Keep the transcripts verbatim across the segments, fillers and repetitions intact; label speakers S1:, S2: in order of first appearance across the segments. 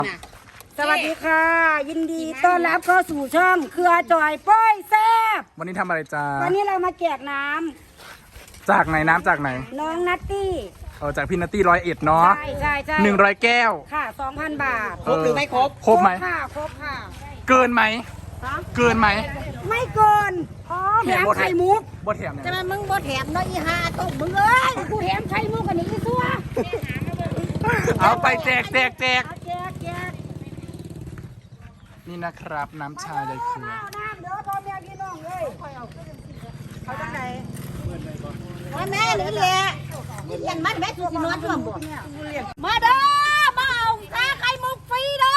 S1: สวัสดีค่ะ ยินดีต้อนรับเข้าสู่ช่องเครือจอยป้อยแซบ
S2: วันนี้ทำอะไรจ้า
S1: วันนี้เรามาแจกน้ำ
S2: จากไหนน้ำจากไหน
S1: น้องนัตตี้
S2: เออจากพี่นัตตี้ร้อยเอ็ดเนาะ
S1: ใช่ใช่ใช่
S2: หนึ่งร้อยแก้ว
S1: ค่ะสองพันบาท
S2: ครบหรือไม่ครบครบไหม
S1: ค่ะครบค่ะ
S2: เกินไหม
S1: ฮะ
S2: เกินไหม
S1: ไม่เกินอ๋อแถมไข่มุก
S2: บ่แถมเนี่ย
S1: จะมามึงบ่แถมเนาะอีห่าตกมึงเอ้ยกูแถมไข่มุกกันนี่อีซัว
S2: เอาไปแจกแจกแจก
S1: เอาแจกแจก
S2: นี่นะครับน้ำชาใยเกลือ
S1: เอาน้ำเด้อพ่อแม่พี่น้องเลยเอาจังไหน
S3: มาแม่หรือเลี้ยเลี้ยงมันแม่คือสินอนร่วมบ่มาเด้อมาเอาชาไข่มุกฟรีเด้อ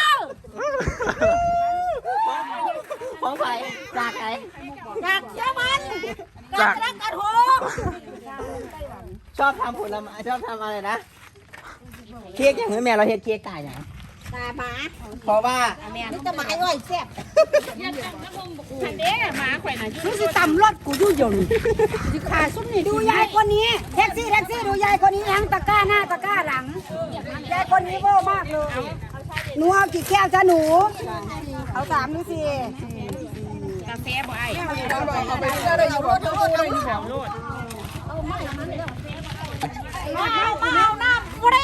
S3: ของไผจากไหนจากเยอรมันจากรักกันโหชอบทำผลไม้ชอบทำอะไรนะเค้กอย่างนี้แม่เราเฮ็ดเค้กตายอย่างตาหมาเพราะว่านี่จะหมาอ้อยแซ่บทันเด้หมาข่อยน่ะ
S1: มึงสิตำรถกูอยู่ยนสิขาซุ้มนี่ดูยายคนนี้แท็กซี่แท็กซี่ดูยายคนนี้ทั้งตะกร้าหน้าตะกร้าหลังยายคนนี้โบ้มากเลยหนูเอากี่แก้วจ้าหนู เอาสามหรือสี่
S3: กาแฟบ่ไอ้
S1: เอาไปเรื่อยเลยอยู่รถรถรถ
S3: มาเอามาเอาน้ำฟรี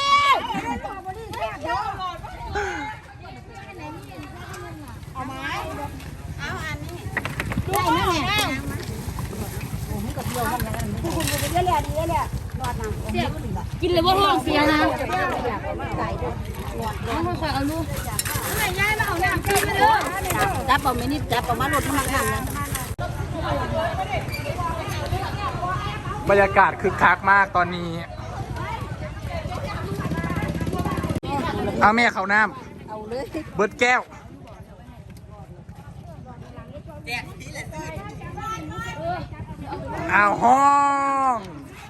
S3: เอาไหมเอาอันนี้ได้ไหมแม่
S1: คุณคุณไปเรื่อยๆดีเรื่อยๆรอดนะ
S3: กินเลยว่าท้องเสียนะไม่ค่อยเอาลูกไม่ย้ายมาเอาน้ำกินมาเด้อจับเอาไม่นิดจับเอามาลดน้ำหนักนะ
S2: บรรยากาศคึกคักมากตอนนี้เอาแม่เขาน้ำเบิร์ดแก้วเอาห้อง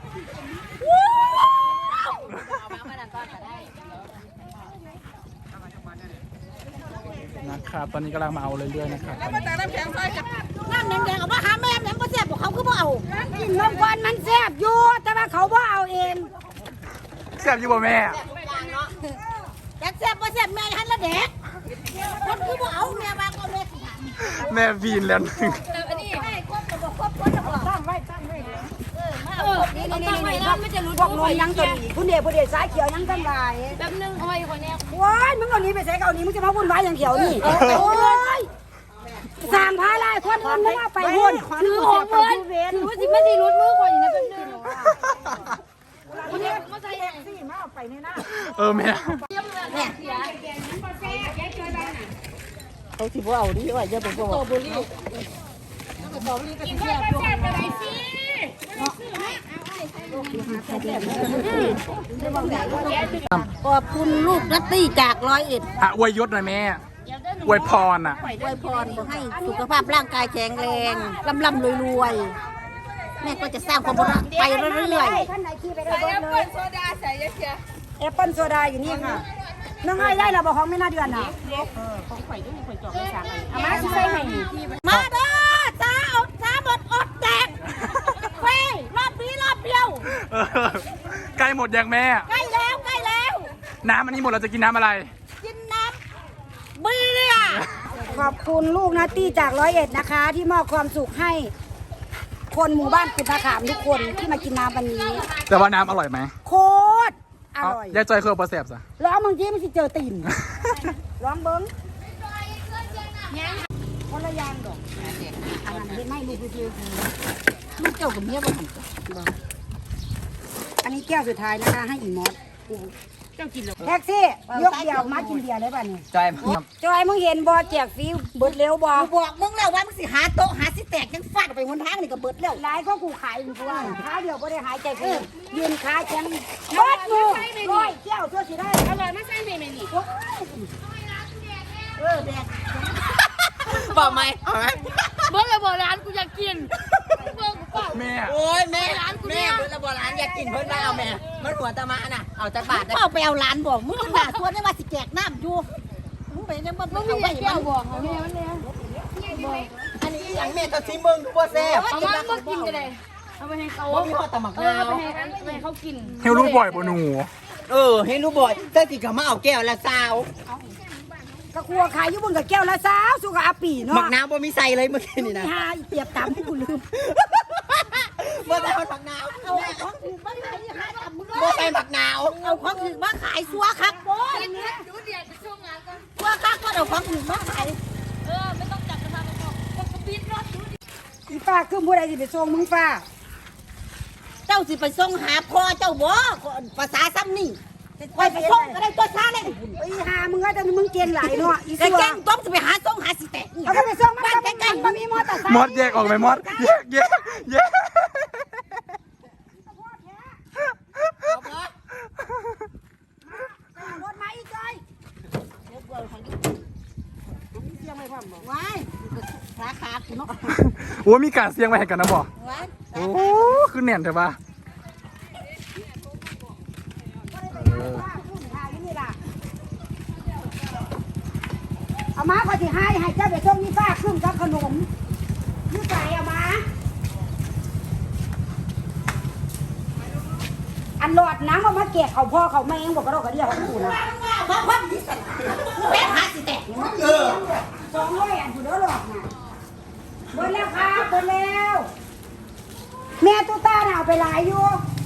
S2: นะครับตอนนี้กำลังมาเอาเรื่อยๆนะครับ
S3: น้ำแดงๆเอามาหาแม่แม่ก็แซ่บบอกเขาคือบ่เอา
S1: กินนมควันมันแซ่บอยู่แต่ว่าเขาบ่เอาเอง
S2: แซ่บอยู่บ่แม่
S3: อยากแซ่บบ่แซ่บแม่หันละเด็กคนคือบ่เอาแม่มาก็แม่สิหา
S2: แม่วีนแล้วหนึ่ง
S3: อันนี้ให้ครบก็บ่ครบคนจะบ่ตั้งไว้ตั้งไว้เออนี่นี่นี่นี่ไม่จะรู้
S1: พวกนมยังตัวนี้ผู้เดียวผู้เดียวสายเขียวยังตั้งหลาย
S3: แป๊บนึงเอาไว้คนนี้
S1: ว้ายมึงเอานี้ไปใส่เกานี้มึงจะมาวุ่นวายอย่างเขียวนี่โอ้ยสั่งพาลายคนคนนึกว่าไปวุ่น
S3: ถือของเงินถือว่าสิไม่ได้รุดมือคนอย่างนั้นแป๊บนึงคนนี้มาใส่
S1: สี่มาเอาไปในหน้า
S2: เออแม่
S3: เขาสิบ่เอาดิว่าจะเป็นบ่โตบุรีกินแซ่บอยู่กันได้สิขอบคุณลูกนัตตี้จากร้อยเอ็ด
S2: อ่ะอวยยศหน่อยแม่อวยพรอ่ะ
S3: อวยพรขอให้สุขภาพร่างกายแข็งแรงร่ำร่ำรวยรวยแม่ก็จะสร้างความรักไปเรื่อย
S1: ท่านไหนขี่ไปได้รถเลยโซดาใส่เยอะๆแอปเปิ้ลโซดาอยู่นี่ค่ะน้องไอ้ได้เราบอกของไม่น่าเดือนน่ะ
S3: ๆมาใส่ให้มาเด้อจ้าอดจ้าหมดอดแตกเฟ้รอบนี้รอบเดียว
S2: เออใกล้หมดยังแม่
S3: ใกล้แล้วใกล้แล้ว
S2: น้ำอันนี้หมดเราจะกินน้ำอะไร
S3: กินน้ำเบียร์
S1: ขอบคุณลูกนัตตี้จากร้อยเอ็ดนะคะ ที่มอบความสุขให้ คนหมู่บ้านกุฎนาขามทุกคนที่มากินน้ำวันนี้
S2: แต่ว่าน้ำอร่อยไหม
S1: โคตรอร่อย
S2: ยายจอยเคยเอาปลาแสบสะ
S1: ร้องบางทีมันสิเจอตีน ร้องเบิ้งคนละอยางดอกอันนั้นเป็นไม่ลูกคือ
S3: ลูกเจ้ากับเมียบ่หัน
S1: อันนี้แก้วสุดท้ายนะคะให้อีมอส
S3: เจ้ากินแล้ว
S1: แท็กซี่ยกเดียวมากินเบียร์เลยป่ะนี่
S2: จอย
S1: จอยมึงเห็นบอแจกฟรีเบิดเร็วบอ
S3: กูบอกมึงแล้วว่ามึงสิหาโต๊ะหาสิแตกยังฟาดออกไปหนทางนี่ก็เบิดแล้ว
S1: หลายก็กูขายอยู่ตัวขาเดียวก็ได้หายใจฟรียืนขาแข็งเบิดมือร้อยแก้วตัวสิได้
S3: อร่อยมาใส่เมนูนี่
S1: เออแดก
S3: บอกไหมเอาไหมเบิดแล้วบอกร้านกูอยากกินเบิดกูเปล่า
S2: แม่
S4: โอ้ยแม่แม่เพิ่นละบ่ร้านอยากกินเพิ่นมาเอาแม่มันหัวตะมะน่ะเอาจักบาทได้
S3: เปล่าไปเอาร้านบอกมึงขนาดตัวนี่ว่าสิแจกน้ำอยู่มึงไปยังมันมึงเอาไว้มันบอกเอาแม่มันเลย
S4: อันนี้อย่างแม่ตัวซีมึงบ่แซ่บ
S3: เอามามากินกันเลยเอาไปให้เขา
S4: บ่มีฮอดตะหมัก
S3: เอ
S4: นา
S3: อ
S4: ว
S3: ไปให้ไปให้เขากิน
S2: เฮลรู้บ่อยบ่หนู
S3: เออเห็นรู้บ่อยเจ้าสิเขามาเอาแก้วละสาว
S1: กระครัวขายอยู่บนกับแก้วละสาวสุกอาปีเนาะ
S3: หมักน้ำบ่มีใส่เลยเมื่อกี้นี่นะ
S1: หาเปียบตามให้กูลืม
S3: เมื่อใส่หมักน้ำ
S1: เอาของถือมาขายหาตามมึงเล
S3: เมื่อย ใส่หมักน้
S1: เอาของถือมาขายซัวครับโบ้ยซัวครับก็เอาของถือมาขายอีฟ้าคือผู้ใดสิไปส่งมึงฟ้า
S5: เจ้าสิไปส่งหาพ่อเจ้าบ่ภาษาซ้ำนี่ไปไปส่งก็ได้ตัวซาเลย
S1: ไอ้หามึงก็จะมึงเกณฑ์หลายเนาะอี
S5: แต่
S1: ซัว
S5: แกงต้มจะไปหาส่งหาสิแตก
S1: เอาก็ไปส่งมัน
S5: บ้าน
S1: ก็
S5: ใกล้
S1: มันมีมอเตอร์ไซค์
S2: มอดแยกออกไหมมอดแยกแยกแยก
S1: รถมาอีกจอย
S5: ๆว้ายราคาคุณเนาะ
S2: โอ้มีการเสียงไว้ให้กันนะบ่
S5: ว้าย
S2: โอ้คือแน่นใช่ปะ
S1: เอามาพอที่ให้ให้เจ้าไปส่งนี่ฟ้าครึ่งกับขนมยืดใจเอามาอันหลอดน้ำเอามาแกะเขาพ่อเขาแม่งบอกกระโดดกระเดียวของกูนะ
S5: เพราะความที่สั่นแม่หาสิแตก
S1: สองร้อยอันกูเด้อหลอดนะเบิดแล้วครับเบิดแล้ว แม่ตุ๊ต้าน่ะเอาไปหลายอยู่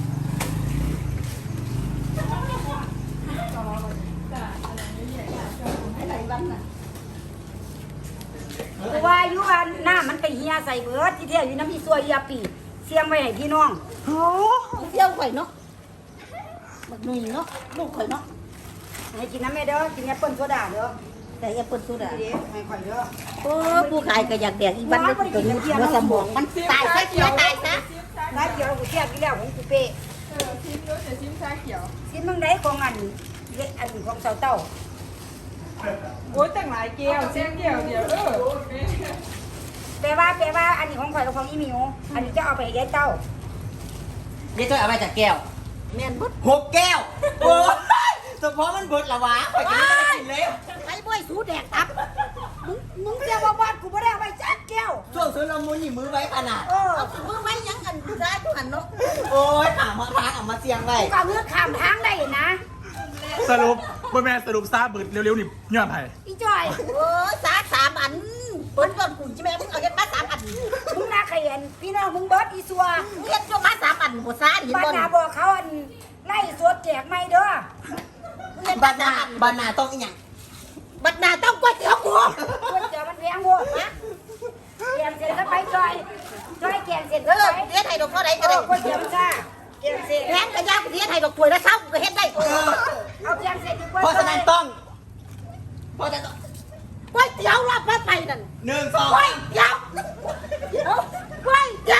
S1: กูว่าอยู่ว่าหน้ามันไปเฮียใส่เบิดที่เที่ยวอยู่น้ำอีซัวเฮียปีเสียงไว้ให้พี่น้อง
S2: โอ้
S5: เที่ยวข่อยเนาะบักหนุ่ยเนาะลูกข่อยเนาะ
S1: ให้กินน้ำแม่เด้อกินแอปเปิ้ลโซดาเด้อ
S5: แต่แอปเปิ้ลสุดา
S1: ดีๆให้ข่อยเด้อ
S5: โอ้ผู้ขายก็อยากแดกอีบ้านเด็กตัวนี้ว่าสมองมันตายซะเสียตายซะ
S1: ร้านเดียวกูเทียบกี่แล้วของกูเป้
S6: เออชิมด้วยแต่ชิมชาเขียว
S1: กินมึงได้ของอันเล็กอันของเสาเต้า
S6: โอ้ยแต่งหลายแก้วชิมแก้วเดียวเออ
S1: แปลว่าแปลว่าอันนี้ของข่อยกับของอีหมิวอันนี้จะเอาไปให้ยายเต้า
S3: ำนี่จ้อยเอาไปจากแก้ว
S5: แม่นบุด
S3: หกแก้วโอ้ยเฉพาะมันเบิดละวะไปกินไม่ได้กินเลย
S5: ไอ้บ่อยสูแดกตับ
S1: มึงมึงเสียบ่บ้านกูไม่ได้เอาไปจักแก้ว
S3: ช่วงซื้อละมุนนี่มือไว้ขนาด
S1: เออ
S5: เอามือไว้ยังอันร้ายทุกอันเนาะ
S3: โอ้ยถามมาทางเอามาเสียงไว้
S1: กูกับเลือกขามทางได้นะ
S2: สรุปบ่แม่นสรุปซาเบิดเร็วๆนี่ย้อนไผ
S1: อีจอย
S5: โอ้ยสาสามอันเปิ้นก่อนกูใช่ไหมมึงเอาเฮ็ดมาสามอัน
S1: มึงน่าขยันพี่น้องมึงเบิร์ดอีสัว
S5: เฮ็ดจนมาสามอันบ่ซาเห็น
S1: บ้าน
S5: บ่
S1: นาบอกเขาอันไล่สวดแจกไม่เด้อ
S5: เฮ็ด
S3: บา
S5: มา
S3: นา
S5: สามอัน
S3: บานาต้องอีหยัง
S5: บัดหน้าต้องก๋วยเตี๋ยวกู
S1: สวดแจกมันแพงโหดนะแกงเสร็จก็ไปจอยจอยแกงเสร็จ
S5: เอ
S1: ก็
S5: อ
S1: ไป
S5: เฮ็ดให้ดอกเท่าใด
S1: เอ
S5: ก็ได้
S1: อก๋วยเตี๋ยวจ้าแกงเสร็จ
S5: แพงก็ยากเฮ็ดให้ดอกถ้วยละเช้าก็เฮ็ดได้
S1: เอาแกงเสร็จดีกว่า
S3: เพราะฉะนั้นต้องเพราะฉะนั้นต้อง
S5: ก๋วยเตี๋ยวรับมาไปนั่น
S3: หนึ่งสอง
S5: ก๋วยเตี๋ยวก๋วยเตี๋ยว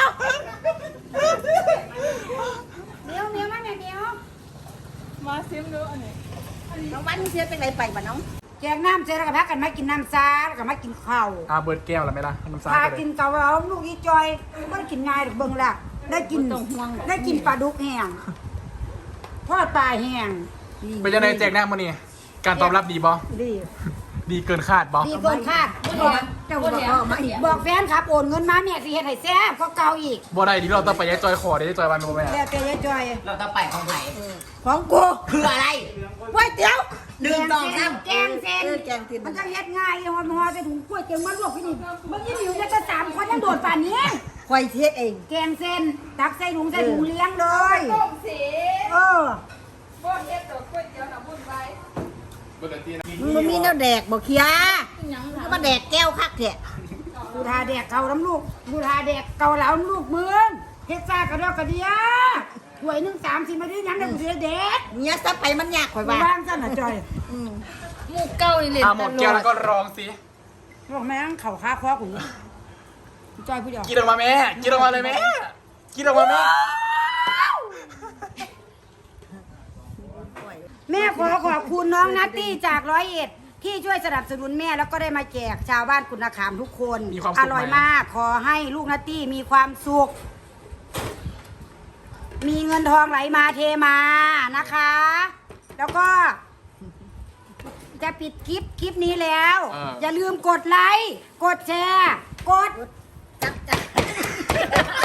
S1: เดี๋ยวเดี๋ยวมาเนี่ยเดี๋ยว
S6: มาชิมดูอันนี้
S5: น้องวันเสียเป็นไรไปบ่น้อง
S1: แกงน้ำเสร็จแล้วก็พักกันมากินน้ำซาแล้วก็มากินข้าว
S2: อ่าเบิดแก้วแล้วไหมล่ะน้ำซา
S1: พา
S2: ก็เล
S1: กิ
S2: ย
S1: นเกาเหลาลูกอีจอยไม่ได้กินง่ายหรอกเบิ่งละได้กินได้กินปลาดุกแห้งทอดปลาแห้ง
S2: เป็นยังไงแจกแน่มื้อนี้การตอบรับดีบ่
S1: ดี
S2: ดีเกินคาดบ่
S1: ดีเกินคาดบอกเจ้าบอกบอกแฟนครับโอนเงินมาเนี่ยสิเฮ็ดให้แซ่บก็เก่าอีก
S2: บ่ได้ที่เราต้องไปยายจอยขอได้ยายจอยวันบ่แม่
S1: แล้วแต่ยายจอย
S3: เราจะไปของไหน
S5: ของกู
S3: คืออะไร
S5: ก๋วยเตี๋ยว
S3: หนึ่งสองสาม
S1: แกงเส้น
S5: เออแกงเส้น
S1: มันจะเฮ็ดง่ายฮอดฮอดจะถุงกล้วยเจียงมันลวกพี่นี่มึงยี่หมิวจะสามคนยังโดดป่านนี้
S5: ควายเทียดเอง
S1: แกงเส้นตักใส่ถุงใส่ถุงเลี้ยงเลย
S6: ต้มสี
S1: เออ
S6: บ้วนเฮ็ดดอกก๋วยเตี๋ยวหนังบุญไว้
S5: มึงบ่มีแนวแดกบ่เคียมึงมาแดกแก้วคักแท้
S1: กูทาแดกเกาน้ำลูกกูทาแดกเกาเหลาน้ำลูกมึงเฮ็ดซ่ากระดอกกระเดียถ้วยหนึ่งสามสิบนาทียังได้กูสิได้เด็ด
S5: เนี่ยซะไปมันยากข่อย
S1: กู
S5: ว่า
S1: ว่างซะน่ะจอย
S5: หมูเก้านี่เลย
S2: อ่าหมดแก้วแล้วก็รองสิ
S1: บอกแม่งเข่าค้าคอกูจอยผู้เดียว
S2: กินออกมาแม่กินออกมาเลยแม่กินออกมาแม่
S1: แม่ขอขอบคุณน้องนัตตี้จากร้อยเอ็ดที่ช่วยสนับสนุนแม่แล้วก็ได้มาแจกชาวบ้านกุณขามทุกคน
S2: มีความ
S1: อ
S2: สุข
S1: ร่อย
S2: ไหม
S1: มาก ขอให้ลูกนัตตี้มีความสุข มีเงินทองไหลมาเทมานะคะ แล้วก็ จะปิดคลิปคลิปนี้แล้ว
S2: เออ
S1: อย่าลืมกดไลค์ กดแชร์ กด
S5: จับจับ